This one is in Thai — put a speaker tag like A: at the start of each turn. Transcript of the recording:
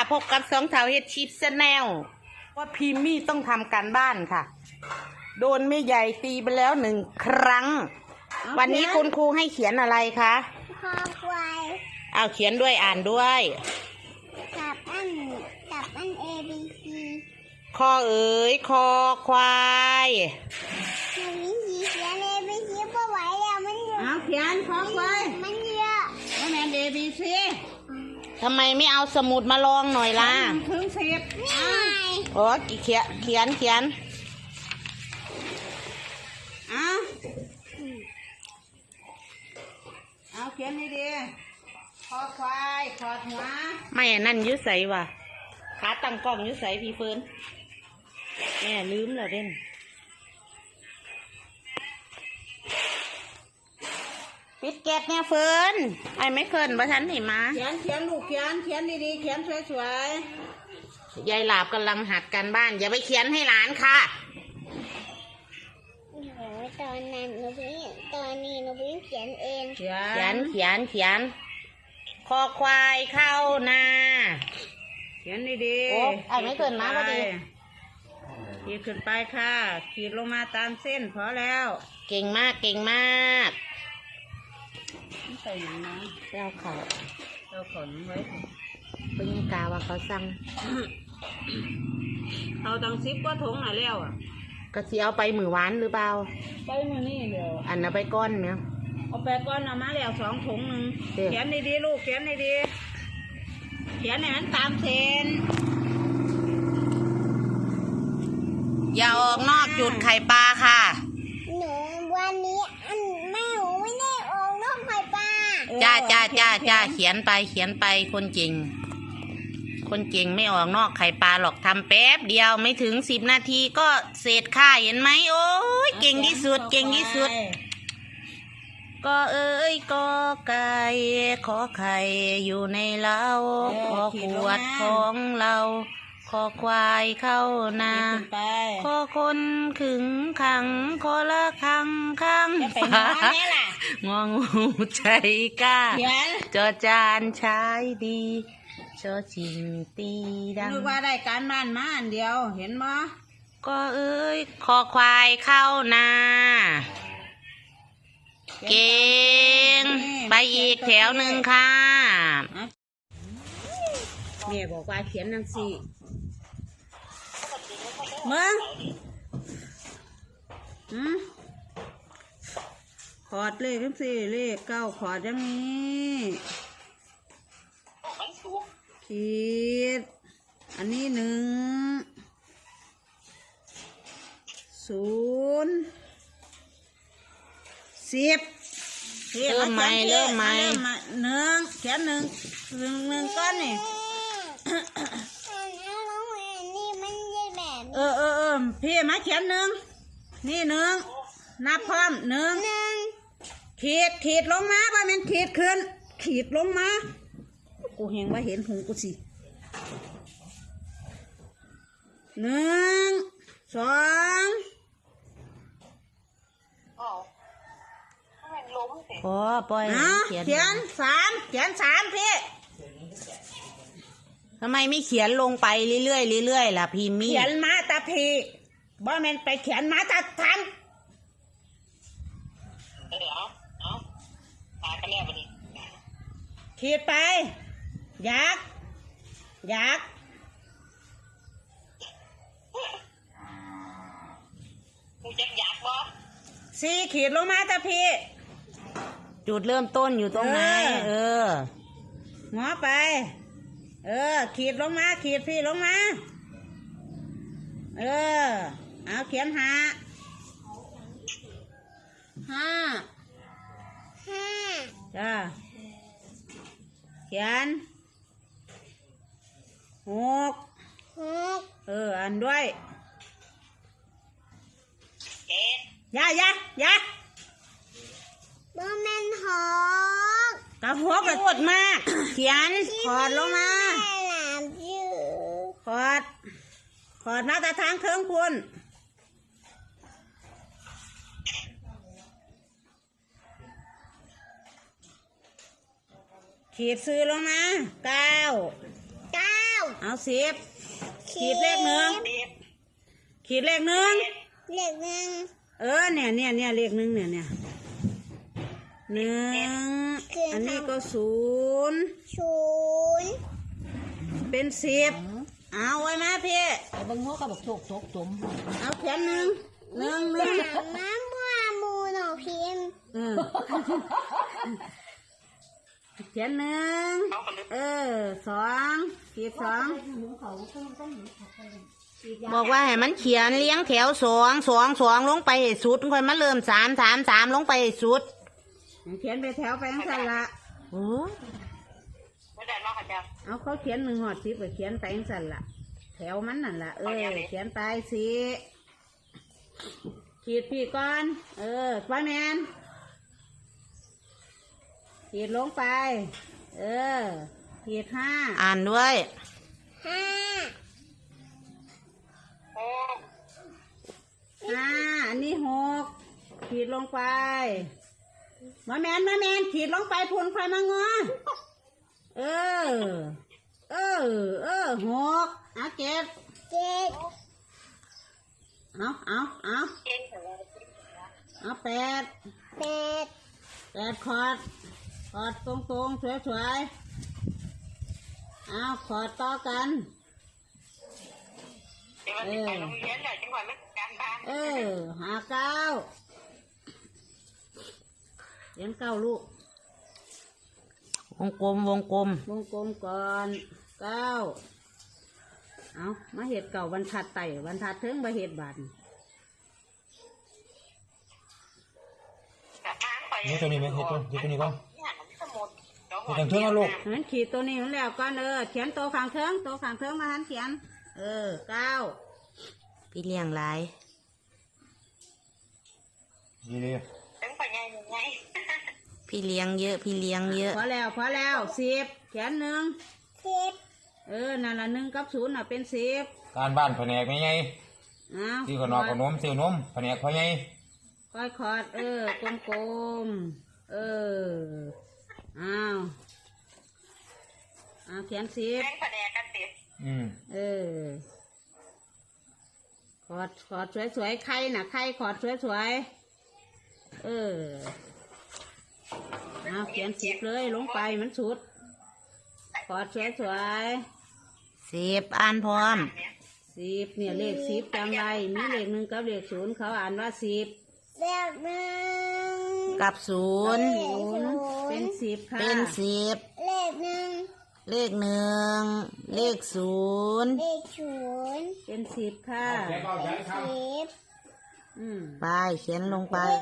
A: พบกับสองเถาเฮ็ดชิปแนลว่าพิมมี่ต้องทำการบ้านค่ะ โดนแม่ใหญ่ตีไปแล้ว1 ครั้ง วันนี้คุณครูให้เขียนอะไรคะ
B: คอควาย
A: เอาเขียนด้วยอ่านด้วย
B: กับอันA B C
A: คอเอ๋ยคอควาย
B: มันมีเขียน A B C พอไหวแล้วมันเยอะ
C: เอาเขียนคอควาย
B: มันเยอะ
C: ว่าแม่ A B C
A: ทำไมไม่เอาสมุดมาลองหน่อยล่ะ
C: ถึง10
B: นี่ไง
A: โอ้เขียน
C: เอาเขียนดีๆคอควายขอดหัว
A: ไม่นั่นยุใสว่ะขาตั้งกล้องยุใสพี่เฟิร์นแม่ลืมแล้วเด่นปิดแก๊สเนี่ยเฟิร์นไอ้ไม่เฟิร์นประทันหนิมา
C: เขียนลูกเขียนดีๆเขียนสวย
A: ยายหลาบกำลังหัดการบ้านอย่าไปเขียนให้หลานค่ะ
B: ตอนนี้หนูพิ่งเขียนเอง
A: เขียนคอควายเข้านา
C: เขียนดีๆ
A: โอ้ไอ้ไม่เกินนะพอดี
C: ขีดขึ้นไปค่ะขีดลงมาตามเส้นพอแล้ว
A: เก่งมาก
C: ใส่หนังนะ
A: เราข
C: นไว้
A: เป็นกาว่าเขาสั่ง
C: เอาตัง10 กว่าถุงหน่อยแล้ว
A: ก็สิเอาไปมือหวานหรือเปล่า
C: ไปมือนี่เดี๋ยว
A: อันน่ะไปก้อนเนี่ย
C: เอาไปก้อนเอามาแล้ว2 ถุงนึงเขียนดีๆลูกเขียนดีๆเขียนให้มันตามเส้น
A: อย่าออกนอกจุดไข่ปลาค่ะ
B: หนูวันนี้แม่หนูไม่ได้ออกนอกไข่ปลา
A: จ้าเขียนไปคนเก่งไม่ออกนอกไข่ปลาหรอกทำแป๊บเดียวไม่ถึง10 นาทีก็เสร็จค่ะเห็นไหมโอ้ยเก่งที่สุดก็เอ้ยก็ไก่ขอไข่อยู่ในเล้าขอขวดของเราขอควายเข้านาขอคนขึงขังขอละคังข้างฟ้างองูใจกล้าจอจานใช้ดีชอชิงตีดัง
C: นึกว่าได้การบ้านมาอันเดียวเห็นมั้ย
A: ก็เอ้ยคอควายเข้านาเก่งไปอีกแถวหนึ่งค่ะ
C: แม่บอกว่าเขียนจังซี่มึงขอดเลขจังซี่เลข9ขอดอย่างนี้ขีดอันนี้1 0 10
A: เริ่มใหม่
C: 1เขียน1ก้อนนี่พี่มาเขียน1นี่1นับพร้อม1ขีดลงมาบ่แม่นขีดขึ้นขีดลงมากูเห็นว่าเห็นหูกูสิ1 2
A: ปล่อย
C: เขียน3พี่
A: ทำไมไม่เขียนลงไปเรื่อยล่ะพี่มี่
C: เขียนมาตาพีบ่แม่นไปเขียนมาตาทำขีดไปยักกูจะยักบ่4ขีดลงมาตาพี
A: จุดเริ่มต้นอยู่ตรงไหน
C: งอไปขีดลงมาขีดพี่ลงมาเอาเขียน5จ้าเขียน6อันด้วยอย่า
B: บ่แม่น6
C: กระหกพูดมากเขียนขอดลงมาขอดมาแต่ทางเครื่องคุณ ขีดซื้อลงมา9 เอา10ขีดเลขหนึ่งขีดเลขหนึ่ง
B: เลขหนึ่ง
C: เนี่ยเลขหนึ่งเนี่ยหนึ่งอันนี้ก็ศูนย์
B: ศูนย์
C: เป็น10เอาไว้มาพี่
A: ไอ้เบิ่งหัวก็บอกโชคจม
C: เอาเขียนหนึ่ง
B: น้ำมัวมูหนอพิมพ์
C: เขียนหนึ่งสองขีดสอง
A: บอกว่าให้มันเขียนเลี้ยงแถว2 ลงไปให้สุดค่อยมาเริ่ม3 ลงไปให้สุด
C: เขียนไปแถวไปทั้งสั้นละ
A: โอ้
C: เอาเขาเขียน1 หอด10ก็เขียนไปทั้งสั้นละแถวมันนั่นละเขียนไปสิขีดพี่ก่อนไฟแมนขีดลงไปขีด5
A: อ่านด้วย
B: ห้า
C: อันนี้6ขีดลงไปมาแมนขีดลงไปพูนไฟมางอ6เอาเก็บ
B: เจ็ด
C: เอา8
B: แปด
C: ขอดตรงสวยๆเอาขอดต่อกัน59เขียน9ลูก
A: วงกลม
C: วงกลมก่อน9เอามาเห็ดเก่าบรรทัดไต่บรรทัดเทิงมาเห็ดบาท
D: นี่ตัวนี้ไหมเห็ดตัวนี้ก่อนเห็ดทางเทือกนะลูก
C: งั้นขีดตัวนี้มันแล้วก่อนเขียนตัวข้างเทิงมาหันเขียน9
A: พี่เลี้ยงหลาย
D: ดีเลย
A: พี่เลี้ยงเยอะ
C: พอแล้ว10เขียน1
B: สิบ
C: นั่นละ1 กับ 0น่ะเป็น10
D: การบ้านแผนกไม่ไง
C: เอา
D: ที่ขนมขนมซิวนมแผนกพ่อไง
C: ก้อยขอดกลมเอาเขียน10ขอดสวยๆไข่ขอดสวยๆเอาเขียน10เลยลงไปมันสุดขอดสวย
A: 10อ่านพร้อม
C: 10เนี่ยเลข10จำไว้มีเลข1กับเลข0เขาอ่านว่า10
B: เลขหนึ่ง
A: กับ 0
C: เป็น10ค่ะ
A: เป็น10
B: เลขหนึ่ง
A: เลข 1 เลข 0
B: เลขศูนย์
C: เป็น10ค่ะ
B: สิบ
C: อืม
A: ไปเขียนลงไป